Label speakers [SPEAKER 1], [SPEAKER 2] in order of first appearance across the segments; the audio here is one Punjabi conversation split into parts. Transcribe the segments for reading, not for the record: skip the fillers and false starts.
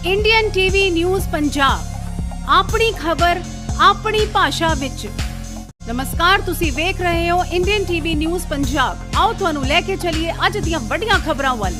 [SPEAKER 1] इंडियन टीवी न्यूज़ पंजाब अपनी खबर अपनी भाषा विच। नमस्कार, तुसी वेख रहे हो इंडियन टीवी न्यूज़ पंजाब। आओ तुहानू लेके चलिए अज दियां वड्डियां खबरां वल।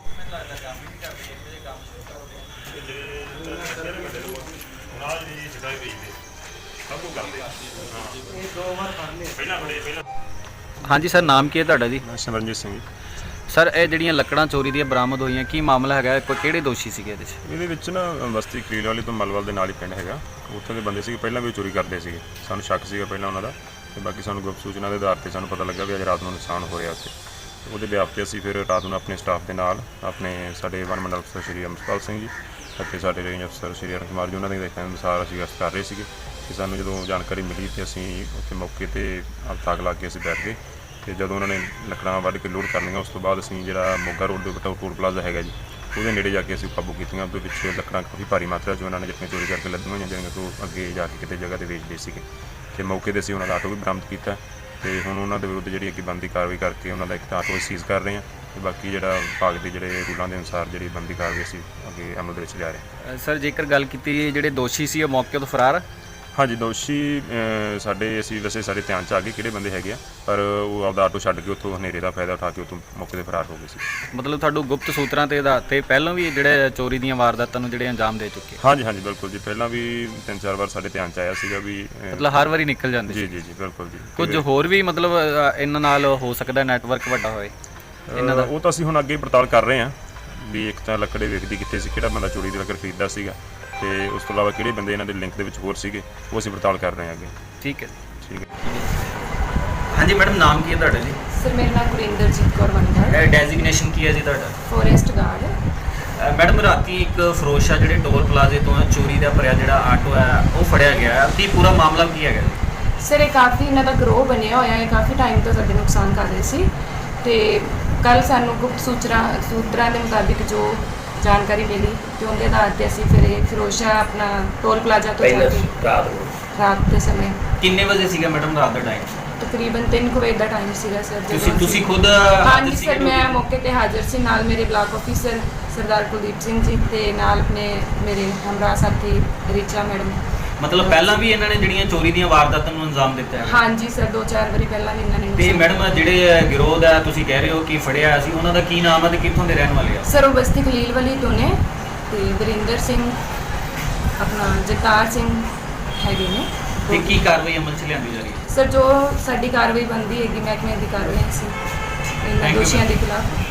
[SPEAKER 2] हाँ जी सर, नाम की है तुहाडा जी?
[SPEAKER 3] सिमरनजीत सिंह जी।
[SPEAKER 2] सर ਇਹ ਜਿਹੜੀਆਂ ਲੱਕੜਾਂ ਚੋਰੀ ਦੀਆਂ ਬਰਾਮਦ ਹੋਈਆਂ, ਕੀ ਮਾਮਲਾ ਹੈਗਾ? ਕੋਈ ਕਿਹੜੇ ਦੋਸ਼ੀ ਸੀਗੇ ਇਹਦੇ 'ਚ?
[SPEAKER 3] ਇਹਦੇ ਵਿੱਚ ਨਾ ਬਸਤੀ ਕਰੀਲ ਵਾਲੀ ਤੋਂ ਮਲਵਲ ਦੇ ਨਾਲ ਹੀ ਪਿੰਡ ਹੈਗਾ, ਉੱਥੇ ਦੇ ਬੰਦੇ ਸੀਗੇ, ਪਹਿਲਾਂ ਵੀ ਉਹ ਚੋਰੀ ਕਰਦੇ ਸੀਗੇ। ਸਾਨੂੰ ਸ਼ੱਕ ਸੀਗਾ ਪਹਿਲਾਂ ਉਹਨਾਂ ਦਾ, ਤੇ ਬਾਕੀ ਸਾਨੂੰ ਗੁਪਤ ਸੂਚਨਾ ਦੇ ਆਧਾਰ 'ਤੇ ਸਾਨੂੰ ਪਤਾ ਲੱਗਾ ਵੀ ਅੱਜ ਰਾਤ ਨੂੰ ਨੁਕਸਾਨ ਹੋ ਰਿਹਾ ਉੱਥੇ। ਉਹਦੇ ਬਿਆਪ 'ਤੇ ਅਸੀਂ ਫਿਰ ਰਾਤ ਨੂੰ ਆਪਣੇ ਸਟਾਫ ਦੇ ਨਾਲ ਆਪਣੇ ਸਾਡੇ ਵਨ ਮੰਡਲ ਅਫਸਰ ਸ਼੍ਰੀ ਅਮਰਪਾਲ ਸਿੰਘ ਜੀ ਅਤੇ ਸਾਡੇ ਰੇਂਜ ਅਫਸਰ ਸ਼੍ਰੀ ਅਰੁਣ ਕੁਮਾਰ ਜੀ, ਉਹਨਾਂ ਦੇ ਦੇਖਣ ਅਨੁਸਾਰ ਅਸੀਂ ਗਸ਼ਤ ਕਰ ਰਹੇ ਸੀਗੇ ਕਿ ਸਾਨੂੰ ਜਦੋਂ ਜਾਣਕਾਰੀ ਮਿਲੀ ਤੇ ਅਸੀਂ ਉੱਥੇ ਮੌਕੇ 'ਤੇ ਤਾਕ ਲਾ ਕੇ ਅਸੀਂ ਬੈਠ ਗਏ। ਤੇ ਜਦੋਂ ਉਹਨਾਂ ਨੇ ਲੱਕੜਾਂ ਵੱਢ ਕੇ ਲੋਡ ਕਰਨੀਆਂ, ਉਸ ਤੋਂ ਬਾਅਦ ਅਸੀਂ ਜਿਹੜਾ ਮੋਗਾ ਰੋਡ ਦੇ ਉੱਤੇ ਟੋਲ ਪਲਾਜ਼ਾ ਹੈਗਾ ਜੀ, ਉਹਦੇ ਨੇੜੇ ਜਾ ਕੇ ਅਸੀਂ ਕਾਬੂ ਕੀਤੀਆਂ। ਉਹਦੇ ਵਿੱਚ ਲੱਕੜਾਂ ਕਾਫੀ ਭਾਰੀ ਮਾਤਰਾ 'ਚ ਉਹਨਾਂ ਨੇ ਜਿੱਥੇ ਚੋਰੀ ਕਰਕੇ ਲੱਦੀਆਂ ਹੋਈਆਂ, ਜਿਹੜੀਆਂ ਤੋਂ ਅੱਗੇ ਜਾ ਕੇ ਕਿਤੇ ਜਗ੍ਹਾ 'ਤੇ ਵੇਚਦੇ ਸੀਗੇ। ਤੇ ਮੌਕੇ 'ਤੇ ਅਸੀਂ ਉਹਨਾਂ ਦਾ ਆਟੋ ਵੀ ਬਰਾਮਦ ਕੀਤਾ ਤੇ ਹੁਣ ਉਹਨਾਂ ਦੇ ਵਿਰੁੱਧ ਜਿਹੜੀ ਅੱਗੇ ਬਣਦੀ ਕਾਰਵਾਈ ਕਰਕੇ ਉਹਨਾਂ ਦਾ ਇੱਕ ਆਟੋ ਸੀਜ਼ ਕਰ ਰਹੇ ਹਾਂ ਤੇ ਬਾਕੀ ਜਿਹੜਾ ਵਿਭਾਗ ਦੇ ਜਿਹੜੇ ਰੂਲਾਂ ਦੇ ਅਨੁਸਾਰ ਜਿਹੜੀ ਬਣਦੀ ਕਾਰਵਾਈ ਅਸੀਂ ਅੱਗੇ ਅਮਲ ਦੇ ਵਿੱਚ ਲਿਆ ਰਹੇ ਹਾਂ।
[SPEAKER 2] ਸਰ ਜੇਕਰ ਗੱਲ ਕੀਤੀ ਜਿਹੜੇ ਦੋਸ਼ੀ ਸੀ ਉਹ ਮੌਕੇ ਤੋਂ ਫਰਾਰ?
[SPEAKER 3] ਹਾਂਜੀ, ਦੋਸ਼ੀ ਸਾਡੇ ਅਸੀਂ ਵੈਸੇ ਸਾਡੇ ਧਿਆਨ 'ਚ ਆ ਗਏ ਕਿਹੜੇ ਬੰਦੇ ਹੈਗੇ ਆ, ਪਰ ਉਹ ਆਪਦਾ ਆਟੋ ਛੱਡ ਕੇ ਉੱਥੋਂ ਹਨੇਰੇ ਦਾ ਫਾਇਦਾ ਉਠਾ ਕੇ ਉੱਥੋਂ ਮੌਕੇ 'ਤੇ ਫਰਾਰ ਹੋ ਗਏ ਸੀ।
[SPEAKER 2] ਮਤਲਬ ਤੁਹਾਨੂੰ ਗੁਪਤ ਸੂਤਰਾਂ ਤੇ ਆਧਾਰ 'ਤੇ ਪਹਿਲਾਂ ਵੀ ਜਿਹੜੇ ਚੋਰੀ ਦੀਆਂ ਵਾਰਦਾਤਾਂ ਨੂੰ ਜਿਹੜੇ ਅੰਜਾਮ ਦੇ ਚੁੱਕੇ?
[SPEAKER 3] ਹਾਂਜੀ ਹਾਂਜੀ ਬਿਲਕੁਲ ਜੀ, ਪਹਿਲਾਂ ਵੀ 3-4 ਵਾਰ ਸਾਡੇ ਧਿਆਨ 'ਚ ਆਇਆ ਸੀਗਾ ਵੀ
[SPEAKER 2] ਮਤਲਬ ਹਰ ਵਾਰੀ ਨਿਕਲ ਜਾਂਦੇ
[SPEAKER 3] ਜੀ
[SPEAKER 2] ਸੀ?
[SPEAKER 3] ਜੀ ਜੀ ਬਿਲਕੁਲ ਜੀ।
[SPEAKER 2] ਕੁਝ ਹੋਰ ਵੀ ਮਤਲਬ ਇਹਨਾਂ ਨਾਲ ਹੋ ਸਕਦਾ ਨੈਟਵਰਕ ਵੱਡਾ ਹੋਏ ਇਹਨਾਂ ਦਾ?
[SPEAKER 3] ਉਹ ਤਾਂ ਅਸੀਂ ਹੁਣ ਅੱਗੇ ਪੜਤਾਲ ਕਰ ਰਹੇ ਹਾਂ ਵੀ ਇੱਕ ਤਾਂ ਲੱਕੜੇ ਵੇਚਦੀ ਕਿੱਥੇ ਸੀ, ਕਿਹੜਾ ਬੰਦਾ ਚੋਰੀ ਦੀ ਲੱਕੜ ਖਰੀਦਦਾ ਸੀਗਾ, ਤੇ ਉਸ ਤੋਂ ਇਲਾਵਾ ਕਿਹੜੇ ਬੰਦੇ ਇਹਨਾਂ ਦੇ ਲਿੰਕ ਦੇ ਵਿੱਚ ਹੋਰ ਸੀਗੇ, ਉਹ ਅਸੀਂ ਪੜਤਾਲ ਕਰ ਰਹੇ ਹਾਂ ਅੱਗੇ।
[SPEAKER 2] ਠੀਕ ਹੈ
[SPEAKER 3] ਠੀਕ ਹੈ।
[SPEAKER 2] ਹਾਂਜੀ ਮੈਡਮ, ਨਾਮ ਕੀ ਹੈ ਤੁਹਾਡਾ ਜੀ?
[SPEAKER 4] ਸਰ ਮੇਰਾ ਨਾਮ ਗੁਰਿੰਦਰਜੀਤ ਕੌਰ ਵੰਗੜ।
[SPEAKER 2] ਡੈਜ਼ਿਗਨੇਸ਼ਨ ਕੀ ਹੈ ਜੀ ਤੁਹਾਡਾ?
[SPEAKER 4] Forest guard.
[SPEAKER 2] ਮੈਡਮ ਰਾਤੀ ਇੱਕ ਫਰੋਸ਼ਾ ਜਿਹੜੇ ਟੋਲ ਪਲਾਜ਼ੇ ਤੋਂ ਚੋਰੀ ਦਾ ਭਰਿਆ ਜਿਹੜਾ ਆਟੋ ਹੈ ਉਹ ਫੜਿਆ ਗਿਆ, ਕੀ ਪੂਰਾ ਮਾਮਲਾ ਕੀ ਹੈਗਾ?
[SPEAKER 4] ਸਰ ਇਹ ਕਾਫੀ ਇਹਨਾਂ ਦਾ ਗਰੋਹ ਬਣਿਆ ਹੋਇਆ ਹੈ, ਕਾਫੀ ਟਾਈਮ ਤੋਂ ਸਾਡੇ ਨੁਕਸਾਨ ਕਰ ਰਹੇ ਸੀ ਤੇ ਕੱਲ ਸਾਨੂੰ ਗੁਪਤ ਸੂਤਰਾਂ ਦੇ ਮੁਤਾਬਿਕ ਜੋ ਜਾਣਕਾਰੀ ਮਿਲੀ ਤੇ ਉਹਦੇ ਆਧਾਰ 'ਤੇ ਅਸੀਂ ਫਿਰ ਇਹ ਫਰੋਸ਼ਾ ਆਪਣਾ ਟੋਲ ਪਲਾਜ਼ਾ ਤੋਂ ਜਾ ਕੇ ਰਾਤ ਦੇ ਸਮੇਂ।
[SPEAKER 2] ਕਿੰਨੇ ਵਜੇ ਸੀਗਾ ਮੈਡਮ ਰਾਤ ਦਾ ਟਾਈਮ?
[SPEAKER 4] ਤਕਰੀਬਨ 3 ਵਜੇ ਦਾ ਟਾਈਮ ਸੀਗਾ ਸਰ।
[SPEAKER 2] ਤੁਸੀਂ ਖੁਦ?
[SPEAKER 4] ਹਾਂਜੀ ਸਰ, ਮੈਂ ਮੌਕੇ ਤੇ ਹਾਜ਼ਰ ਸੀ, ਨਾਲ ਮੇਰੇ ਬਲਾਕ ਆਫੀਸਰ ਸਰਦਾਰ ਕੁਲਦੀਪ ਸਿੰਘ ਜੀ ਤੇ ਨਾਲ ਆਪਣੇ ਮੇਰੇ ਹਮਰਾਹ ਸਾਥੀ ਰਿਚਾ ਮੈਡਮ।
[SPEAKER 2] ਮਤਲਬ ਪਹਿਲਾਂ ਵੀ ਇਹਨਾਂ ਨੇ ਜਿਹੜੀਆਂ ਚੋਰੀ ਦੀਆਂ ਵਾਰਦਾਤਾਂ ਨੂੰ ਅੰਜਾਮ ਦਿੱਤਾ ਹੈ?
[SPEAKER 4] ਹਾਂਜੀ ਸਰ, 2-4 ਵਾਰੀ ਪਹਿਲਾਂ ਵੀ ਇਹਨਾਂ ਨੇ।
[SPEAKER 2] ਤੇ ਮੈਡਮ ਜਿਹੜੇ ਗਿਰੋਹ ਦਾ ਤੁਸੀਂ ਕਹਿ ਰਹੇ ਹੋ ਕਿ ਫੜਿਆ ਸੀ, ਉਹਨਾਂ ਦਾ ਕੀ ਨਾਮ ਹੈ ਤੇ ਕਿੱਥੋਂ ਦੇ ਰਹਿਣ ਵਾਲੇ ਆ?
[SPEAKER 4] ਸਰ ਉਹ ਬਸਤੀ ਖਲੀਲ ਵਾਲੀ ਤੋਂ ਨੇ ਤੇ ਵਰਿੰਦਰ ਸਿੰਘ ਆਪਣਾ ਜਗਤਾਰ ਸਿੰਘ ਹੈਗੇ ਨੇ।
[SPEAKER 2] ਤੇ ਕੀ ਕਾਰਵਾਈ ਅਮਲ 'ਚ ਲਿਆਂਦੀ ਜਾ ਰਹੀ ਹੈ?
[SPEAKER 4] ਸਰ ਜੋ ਸਾਡੀ ਕਾਰਵਾਈ ਬਣਦੀ ਹੈਗੀ ਮਹਿਕਮੇ ਦੀ ਕਾਰਵਾਈ ਸੀ ਇਹਨਾਂ
[SPEAKER 2] Thank you,
[SPEAKER 4] ਦੋਸ਼ੀਆਂ ਦੇ ਖਿਲਾਫ।